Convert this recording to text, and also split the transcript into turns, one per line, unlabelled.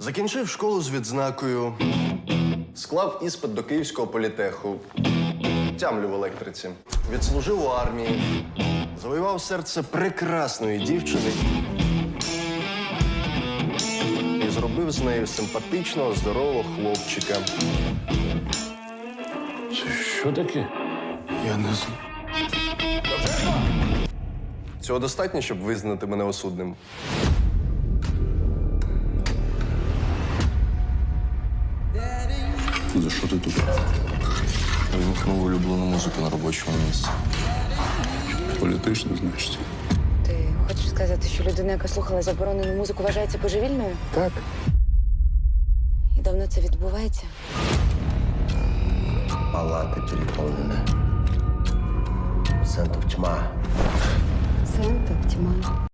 Закінчив школу з відзнакою, склав іспит до Київського політеху, тямлю в електриці, відслужив у армії, завоював серце прекрасної дівчини і зробив з нею симпатичного, здорового хлопчика.
Це що таке?
Я не знаю. Цього достатньо, щоб визнати мене осудним?
За що ти тут?
Вимкнув улюблену музику на робочому місці.
Політично, значить.
Ти хочеш сказати, що людина, яка слухала заборонену музику, вважається божевільною?
Так.
І давно це відбувається?
Палаты переполнены. Пациентов тьма.
Пацієнта тьма.